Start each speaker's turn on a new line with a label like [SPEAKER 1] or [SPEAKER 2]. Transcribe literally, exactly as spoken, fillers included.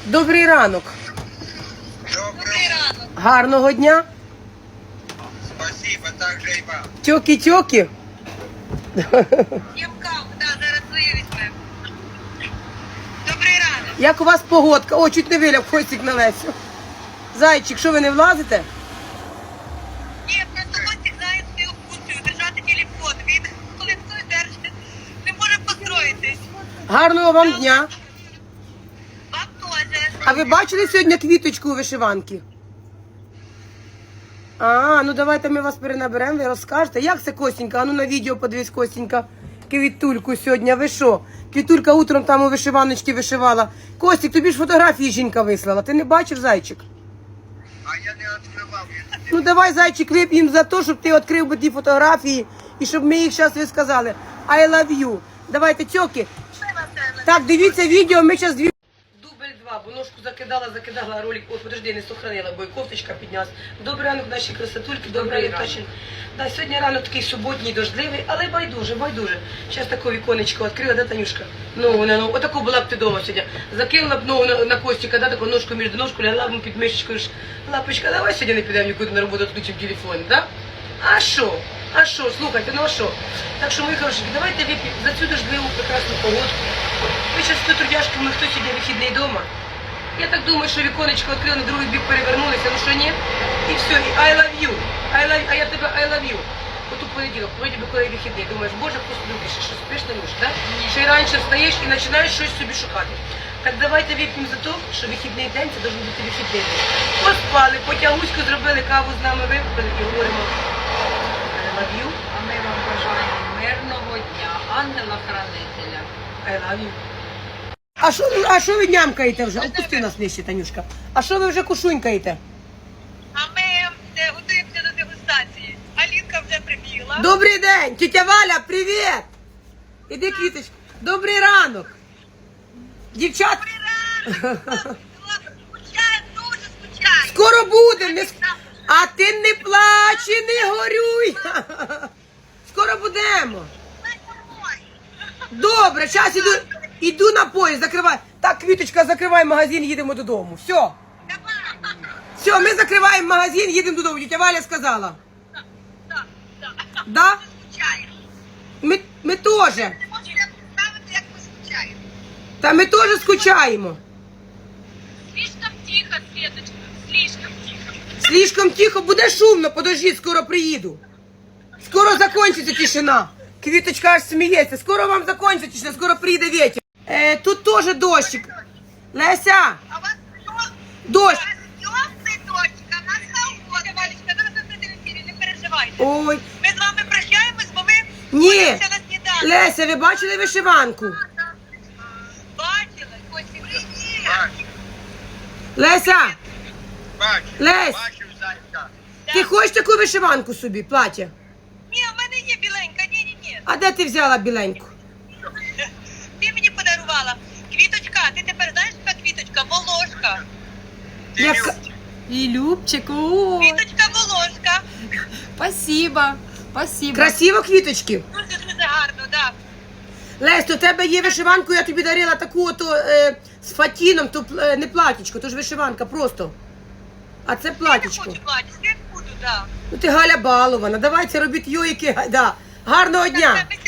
[SPEAKER 1] Добрий ранок.
[SPEAKER 2] Добрий ранок.
[SPEAKER 1] Гарного дня.
[SPEAKER 2] Спасибо, так же і вам.
[SPEAKER 1] Тьокі-тьокі.
[SPEAKER 2] Дівкам, да, зараз свою візьмемо. Добрий ранок.
[SPEAKER 1] Як у вас погодка? О, чуть не виляв хвостик на Лесю. Зайчик, що ви не влазите?
[SPEAKER 2] Ні, просто Костік знає свою функцію, держати телефон. Він, коли хтось держить, не може построїтись.
[SPEAKER 1] Гарного вам дня.
[SPEAKER 2] Вам теж.
[SPEAKER 1] А ви бачили сьогодні квіточку у вишиванки? А, ну давайте ми вас перенаберемо, ви розкажете. Як це, Костенька? А ну на відео подивись, Костенька. Квітульку сьогодні, ви що? Квітулька утром там у вишиваночці вишивала. Костік, тобі ж фотографії жінка вислала. Ти не бачив, зайчик?
[SPEAKER 2] А я не відкривав.
[SPEAKER 1] Ну давай, зайчик, вип'ємо за те, щоб ти відкрив би ті фотографії і щоб ми їх зараз ви сказали. I love you. Давайте, тьоки. Так, дивіться відео, ми зараз дві... Дубль два, бо ножку закидала, закидала ролик. Ой, подожди, не сохранила, бо і кофточка піднялась. Добрий ранок, наші красотульки, добрий ранок. Наші... Да, сьогодні ранок такий суботній, дождливий, але байдуже, байдуже. Зараз таке віконечко відкрила, да, Танюшка? Ну, вона, ну, отаку була б ти дома сьогодні. Закинула б ногу на, на Костіка, да, таку ножку між ножку, лягла б під мишечкою. Лапочка, давай сьогодні не підемо нікуди на роботу, відключимо телефон, да? А що? А що? Слухайте, ну а що? Так що, мої хороші, давайте вип'ємо за цю дождливу прекрасну погодку. Ви зараз тут трудяшки, ми хто сьогодні вихідний вдома. Я так думаю, що віконечко відкрили, на другий бік перевернулися, ну що ні? І все, і I love you, I love, а я тебе I love you. От у понеділок, вроді би, коли вихідний, думаєш, боже, просто любиш, що спиш не можеш, да? Ще й раніше встаєш і починаєш щось собі шукати. Так давайте вип'ємо за те, що вихідний день, це должен бути вихідний день. Поспали, потягуську зробили, каву з нами випили і говоримо I love you,
[SPEAKER 3] А ми вам бажаємо мирного дня, ангела-хранителя.
[SPEAKER 1] I love you. А що, а що ви нямкаєте вже? Опусти нас нижче, Танюшка. А що ви вже кушунькаєте?
[SPEAKER 2] А ми е, готуємося до дегустації. Алінка вже прибігла.
[SPEAKER 1] Добрий день, тітя Валя, привіт! Іди, квіточка. Добрий ранок. Дівчат,
[SPEAKER 2] Скучає, дуже скучає.
[SPEAKER 1] скоро буде. Не... с- А ти не плач і не горюй. Скоро будемо. Добре, зараз іду, іду на поїзд, закривай. Так, квіточка, закривай магазин, їдемо додому. Все. Все, ми закриваємо магазин, їдемо додому. Тітя Валя сказала. Да?
[SPEAKER 2] Скучає.
[SPEAKER 1] Ми, ми теж.
[SPEAKER 2] Не можу я представити, як ми скучаємо.
[SPEAKER 1] Та ми теж скучаємо.
[SPEAKER 2] Слишком тихо, Светочка, слишком тихо.
[SPEAKER 1] Слишком тихо, буде шумно, подожди, скоро приїду. Скоро закончиться тишина. Квіточка аж сміється. Скоро вам закончиться тишина, скоро прийде вітер. Е, тут теж дощик. Леся,
[SPEAKER 2] А у вас що?
[SPEAKER 1] дощ.
[SPEAKER 2] Йосний дочка, нас холодно. Валечка, зараз ви будете в ефірі, не переживайте.
[SPEAKER 1] Ой,
[SPEAKER 2] Ми з вами прощаємось, бо ми
[SPEAKER 1] ні.
[SPEAKER 2] будемося на сніданок.
[SPEAKER 1] Леся, ви бачили вишиванку?
[SPEAKER 2] Бачила, Костя, привіт.
[SPEAKER 1] Леся,
[SPEAKER 2] Бачу.
[SPEAKER 1] Лесь,
[SPEAKER 2] Бачу, зайка.
[SPEAKER 1] ти хочеш таку вишиванку собі, плаття?
[SPEAKER 2] Ні, в мене є біленька, ні-ні-ні.
[SPEAKER 1] А де ти взяла біленьку?
[SPEAKER 2] Ти мені подарувала. Квіточка, ти тепер знаєш, яка квіточка? Волошка.
[SPEAKER 1] Яка...
[SPEAKER 3] І Любчик, о,
[SPEAKER 2] Квіточка Волошка.
[SPEAKER 3] спасибо, спасибо.
[SPEAKER 1] Красиво квіточки.
[SPEAKER 2] Дуже-дуже гарно, так.
[SPEAKER 1] Лесь, то в тебе є вишиванку, я тобі дарила таку ото е, з фатіном, то е, не платічко, то ж вишиванка просто. А це
[SPEAKER 2] Я не
[SPEAKER 1] платічко.
[SPEAKER 2] хочу платити, я буду, так.
[SPEAKER 1] Ну ти Галя балована, давайте робіть йойки, да. Гарного дня.
[SPEAKER 2] Ми